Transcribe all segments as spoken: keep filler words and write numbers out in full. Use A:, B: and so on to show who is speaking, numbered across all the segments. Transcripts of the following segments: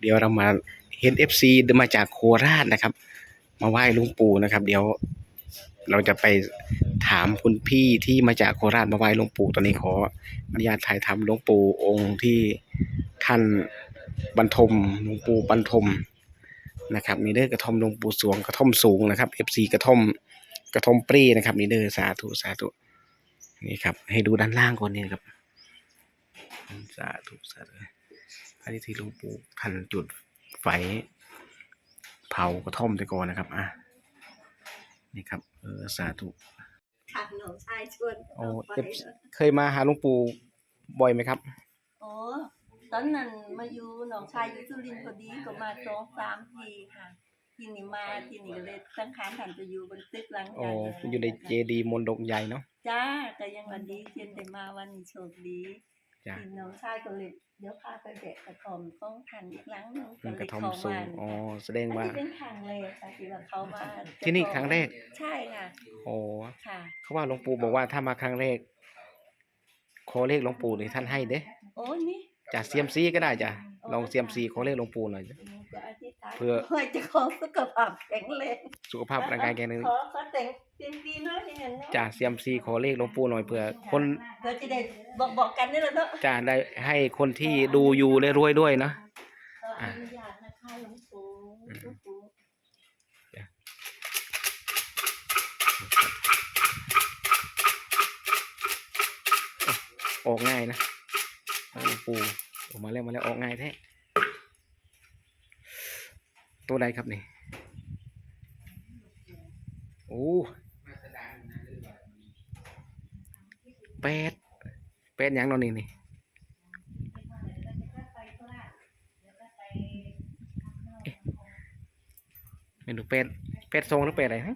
A: เดี๋ยวเรามาเห็น เอฟ ซี มาจากโคราชนะครับมาไหว้หลวงปู่นะครับเดี๋ยวเราจะไปถามคุณพี่ที่มาจากโคราชมาไหว้หลวงปู่ตอนนี้ขออนุญาตถ่ายทำหลวงปู่องค์ที่ท่านบรรทมหลวงปู่บรรทมนะครับนี่เด้อกระท่อมหลวงปู่สวงกระท่อมสูงนะครับ เอฟ ซี กระท่อมกระท่อมปรีนะครับนี่เด้อสาธุสาธุนี่ครับให้ดูด้านล่างก่อนนี่ครับสาธุสาธุอันนี้ที่หลวงปู่ท่านจุดไฟเผากระท่อมไปก่อนนะครับอ่ะนี่ครับเออสาธุ
B: ค่ะหนูชายชวน
A: โอ้เคยมาหาหลวงปู่บ่อยไหมครับ
B: โอ้ตอนนั้นมาอยู่หนองชายอยู่สุรินทร์พอดีก็มาสองสามทีค่ะที่นี่มาที่นี่ก็เลยสังขารท่านจะอยู่บนตึกหลังใหญ่
A: โอ้อยู่ในเจดีย์มนดกใหญ่เนาะ
B: จ้าก็ยังวันดีเช่นได้มาวันนี้โชคดี
A: จ้า
B: ที่หนองชายก็เลยเดี๋ยวพาไปแบกกระท่อมของท่านอีกหลังนึง
A: มันกระท่อมสูงอ๋อแสดงว่า
B: เป็นครั้งแรกค่ะที่ว่าเขามา
A: ที่นี่ครั้งแรก
B: ใช่ค่ะ
A: โอ้
B: ค่ะ
A: เขาว่าหลวงปู่บอกว่าถ้ามาครั้งแรกขอเลขหลวงปู่นี่ท่านให้เด้
B: โอ้นี่
A: จากเซียมซีก็ได้จ้ะลองเซียมซีขอเลขหลวงปู่หน่อย
B: เพื่อจะขอสุขภาพแข็งแรง
A: สุขภาพร่างกายแข็งแรง
B: ขอขอแต่งเซียมซีน้อยอย่างนั้น
A: จ้ะเซียมซีขอเลขหลวงปู่หน่อยเพื่อคน
B: เพื่อจะได้บอกบอกกันนี่แหละเนาะ
A: จ้ะได้ให้คนที่ดูอยู่ได้รวยด้วยนะ
B: อนุญาตนะคะหลวงปู่หลวงปู่
A: ออกง่ายนะหลวงปู่ออกมาแล้วมาแล้วออกง่ายแท้ตัวใดครับนี่โอ้แปดแปดยังนอนนี่นี่ไม่รู้แปดแปดทรงหรือแปดอะไรฮะ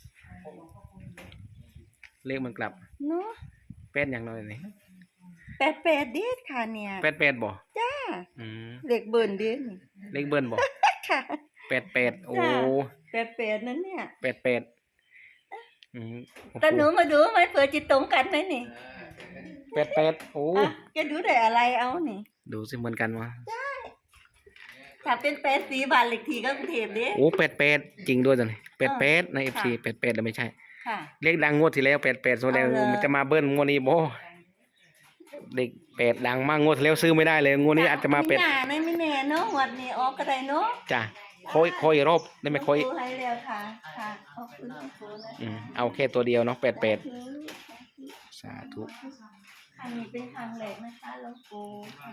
A: เลขมันกลับ
B: เนาะ
A: แปดยังนอนนี่
B: แปดแปดเด็ดค่ะเนี่ย
A: แปดแปดบ่
B: จ้า
A: อืม
B: เลขเบิร์นเด็ด
A: เลขเบิร์นบ่
B: ค่ะ
A: แปดแปดโอ้
B: แปดแปดนั่นเนี่ย
A: แปดแปดอืม
B: แต่หนูมาดูไหมเผื่อจะตรงกันไหมนี่
A: แปดแปดโอ้
B: จะดูได้อะไรเอานี่
A: ดูสิเหมือนกันวะ
B: ใช่ถ้าเป็นแปดสีบานเลขที่ก็กรุงเทพเด้
A: โอ้แปดแปดจริงด้วยจ้ะนี่แปดแปดในเอฟซีแปดแปดแต่ไม่ใช่เลขดังงวดที่แล้วแปดแปดโซแล้วมันจะมาเบิ้ลงวดนี้บ่เด็กแปดดังมากงวดที่แล้วซื้อไม่ได้เลยงวดนี้อาจจะมาเป็ด
B: ไม่ไม่แน่เนาะวันนี้ออกก็ได้เนาะ
A: จ้ะค่อยค่อยรอบได้ไหมค่อย
B: ให้เร็วค่ะค่ะขอบคุณครูนะ
A: อืมเอาแค่ตัวเดียวเนาะแปดแปดสาธุ
B: อันนี้เป็นครั้งแรกนะคะหลวงปู่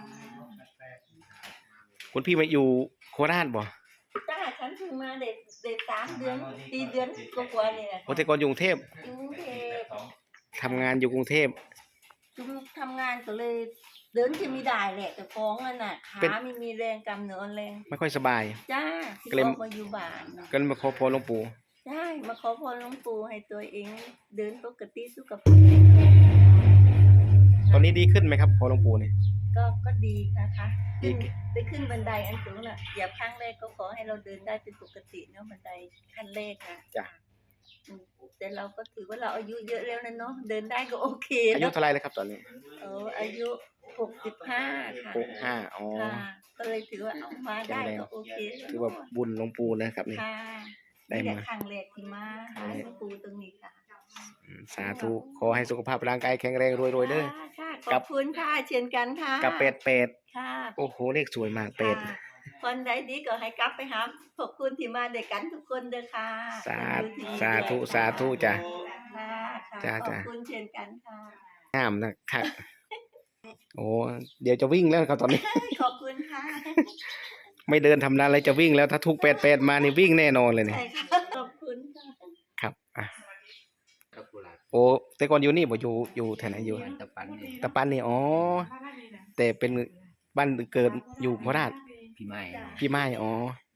A: คุณพี่มาอยู่โคราชบ่
B: จ้าฉันเพิ่งมาเด็กเด็กสามเดือนสี่เดือนกว่าๆนี่แหละ
A: โอ้แต่ก่อนอยู่กรุงเทพ
B: กรุงเทพ
A: ทำงานอยู่กรุงเทพ
B: จุ่มทำงานก็เลยเดินจะมีได้แหละแต่ฟ้องอ่ะน่ะขาไม่มีแรงกำเนื้อแรง
A: ไม่ค่อยสบาย
B: จ้าก็เลยมาอยู่บ้าน
A: ก็มาขอพรหลวงปู่
B: ใช่มาขอพรหลวงปู่ให้ตัวเองเดินปกติสุขภาพ
A: ตอนนี้ดีขึ้นไหมครับพอหลวงปู่นี่
B: ก็ก็ดีนะคะขึ้นไปขึ้นบันไดอันสูงน่ะอย่าครั้งแรกก็ขอให้เราเดินได้เป็นปกติเนาะบันไดขั้นแรกนะ
A: จ้ะ
B: แต่เราก็ถือว่าเราอายุเยอะแล้วนะเนาะเดินได้ก็โอเค
A: อายุเท่าไรเลยครับตอนนี้
B: เอออายุหกสิบห้าค่ะ
A: หกห้าอ๋อ
B: ก็เลยถือว่าเอามาได้ก็โอเค
A: ถือว่าบุญหลวงปู่นะครับนี่
B: ได้มาครั้งแรกที่มาหาหลวงปู่ตรงนี้ค่ะ
A: สาธุขอให้สุขภาพร่างกายแข็งแรงรวยๆเด้อ
B: ขอบคุณค่ะเช่นกันค่ะ
A: กับเป็ดเป็ด
B: ค่ะ
A: โอ้โหเลขสวยมากเป็ด
B: คนใดดีก็ให้กลับไปหาขอบคุณที่มาด้วยกันทุกคนเด้อค่ะ
A: สาธุสาธุสาธุจ้ะ
B: จ้าขอบคุณเช่นกันค่ะ
A: งามนะครับโอ้เดี๋ยวจะวิ่งแล้วครับตอนนี้
B: ขอบคุณค่ะ
A: ไม่เดินทำอะไรจะวิ่งแล้วถ้าทุกเป็ดเป็ดมานี่วิ่งแน่นอนเลยเนี่ย
B: ขอบคุณค่ะ
A: ครับอ่ะโอ้แต่ก่อนอยู่นี่บ่อยู่อยู่แถวไหนอยู่
C: ตะปัน
A: ตะปันนี่อ๋อแต่เป็นบ้านเกิดอยู่โคราช
C: พี่ไม้
A: พี่ไม้อ๋อ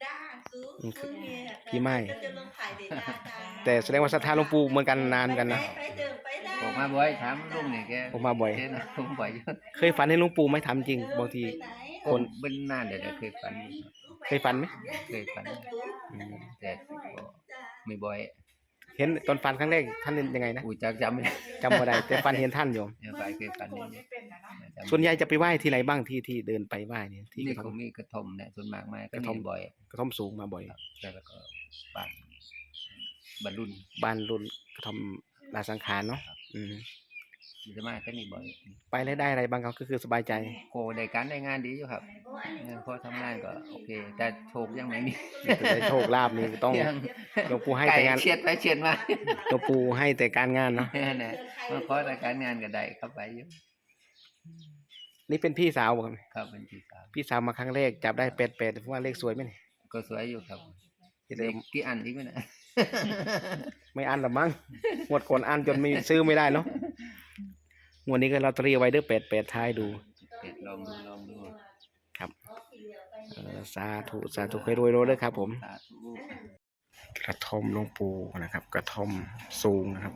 A: พี่ไม้แต่แสดงว่าศรัทธาหลวงปู่เหมือนกันนานกันนะ
C: ผมมาบ่อยถามลุงเนี่ยแก
A: ผมมาบ่อย
C: ผมบ่อย
A: เคยฝันให้หลวงปู่ไหมถามจริงบางที
C: คนเป็นนานเดี๋ยวเคยฝัน
A: เคยฝันไหม
C: เคยฝันแต่ไม่บ่อย
A: เห็นห็นตอนฟันครั้งแรกท่านเป็นยังไงนะ
C: อูจักจำไม่ได้
A: จำบ่ได้แต่ฟันเห็นท่านอยู่
C: เนี่ยไปเคยฝันนี่
A: ส่วนใหญ่จะไปไหว้ที่ไหนบ้างที่ที่เดินไปไหว้เนี่ยที่
C: นี่
A: กระ
C: ก็
A: ท่อม
C: มีกระทอมเนี่ยส่วนมากมาก
A: ก
C: ก็
A: ระท่อม
C: มีบ่อย
A: กระท่อมสูงมาบ่อย
C: ครับแล้วก็บ้านบรรลุน
A: บ้านรุ่นกระท่อมลาสังขารเนาะอืม
C: จะมาก็นี่บ่อย
A: ไปแล้วได้อะไรบ้างครับก็คือสบายใจ
C: โคได้การได้งานดีอยู่ครับเงินพอทำงานก็โอเค แต่โชคยังไม่มี
A: จะได้โชคลาภนี่ต้อง
C: ยัง
A: หลวงปู่ให้
C: ไก่
A: แต่งาน
C: เฉียดไปเฉียดมา
A: หลวงปู่ให้แต่การงานเนาะ
C: นั่นแหละมาขอแต่การงานก็ได้เข้าไปอยู่
A: นี่เป็นพี่สาวบ่ครับ
C: ครับเป็นที่สาม
A: พี่สาวมาครั้งแรกจับได้แปดแปดว่าเลขสวยไหมเนี่ย
C: ก็สวยอยู่ครับ
A: ที่เดิม
C: กี่อันอีกไหมนะ
A: ไม่อันหรอมั้งงวดก่อนอันจนไม่ซื้อไม่ได้เนาะงวดนี้ก็ลอตเตอรี่ไว้เด้อแปดแปดท้ายดู
C: เด็ดลองดูลองดู
A: ครับเอ่อสาธุสาธุเคยรวยโรยเด้อครับผม
C: สาธุ
A: กระท่อมหลวงปู่นะครับ กระท่อมสูงนะครับ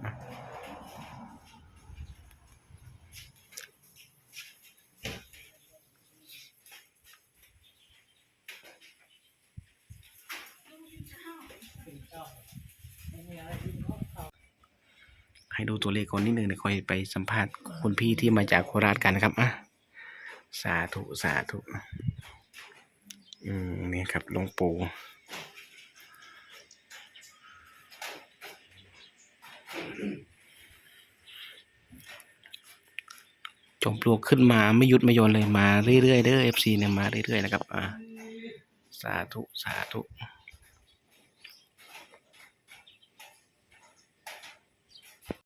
A: ให้ดูตัวเลขก่อนนิดนึงเดี๋ยวค่อยไปสัมภาษณ์คุณพี่ที่มาจากโคราชกันนะครับอ่ะสาธุสาธุอืมนี่ครับหลวงปู่จอมปลวกขึ้นมาไม่หยุดไม่หย่อนเลยมาเรื่อยๆเด้อ เอฟ ซี เนี่ยมาเรื่อยๆนะครับอ่ะสาธุสาธุ